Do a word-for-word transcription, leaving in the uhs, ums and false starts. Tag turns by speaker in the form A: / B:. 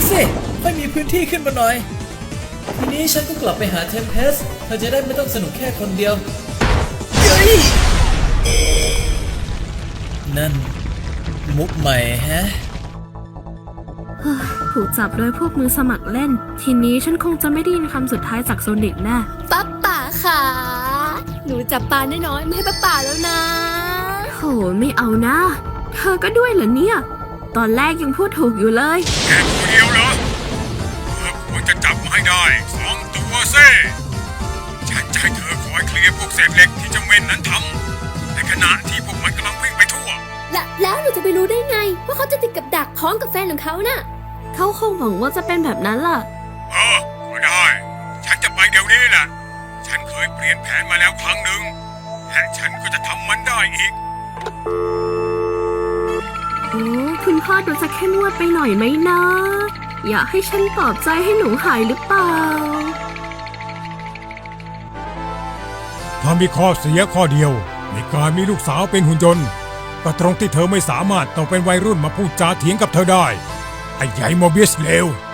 A: สิไม่มีพื้นที่ขึ้นมาหน่อยทีนี้ฉันก็กลับไปหาเทมเพสเธอจะได้ไม่ต้องสนุกแค่คนเดียวเฮ้ยนั่นมุกใหม่แฮะ
B: ถูกจับโดยพวกมือสมัครเล่นทีนี้ฉันคงจะไม่ได้ยินคำสุดท้ายจากโซนิกแน่
C: ป๊าป๋าค่ะหนูจับปลาน้อยๆไม่ให้ป๊าป๋าแล้วนะ
B: โหไม่เอานะเธอก็ด้วยเหรอเนี่ยตอนแรกยังพูดถูกอยู่เลย
D: แค่ตัวเดียวเหรอเธอควรจะจับมาให้ได้สองตัวเซ่ฉันจะให้เธอคอยเคลียร์พวกเศษเหล็กที่เจ้าเม่นนั้นทำในขณะที่พวกมันกำลังวิ่งไปทั่ว
C: และแล้วหนูจะไปรู้ได้ไงว่าเขาจะติดกับดักพร้อมกับแฟนของเขาน่ะ
B: เขาคงหวังว่าจะเป็นแบบนั้นล่ะ
D: เออก็ได้ฉันจะไปเดี๋ยวนี้แหละฉันเคยเปลี่ยนแผนมาแล้วครั้งหนึ่งและฉันก็จะทำมันได้อีก
B: โอ้คุณพ่อดูจะเข้มงวดไปหน่อยไหมนะอยากให้ฉันปลอบใจให้หนูหายหรือเปล่า
D: ถ้ามีข้อเสียข้อเดียวในการมีลูกสาวเป็นหุ่นยนต์ก็ตรงที่เธอไม่สามารถต้องเป็นวัยรุ่นมาพูดจาเถียงกับเธอได้ไอ้ใหญ่โมบิสเลว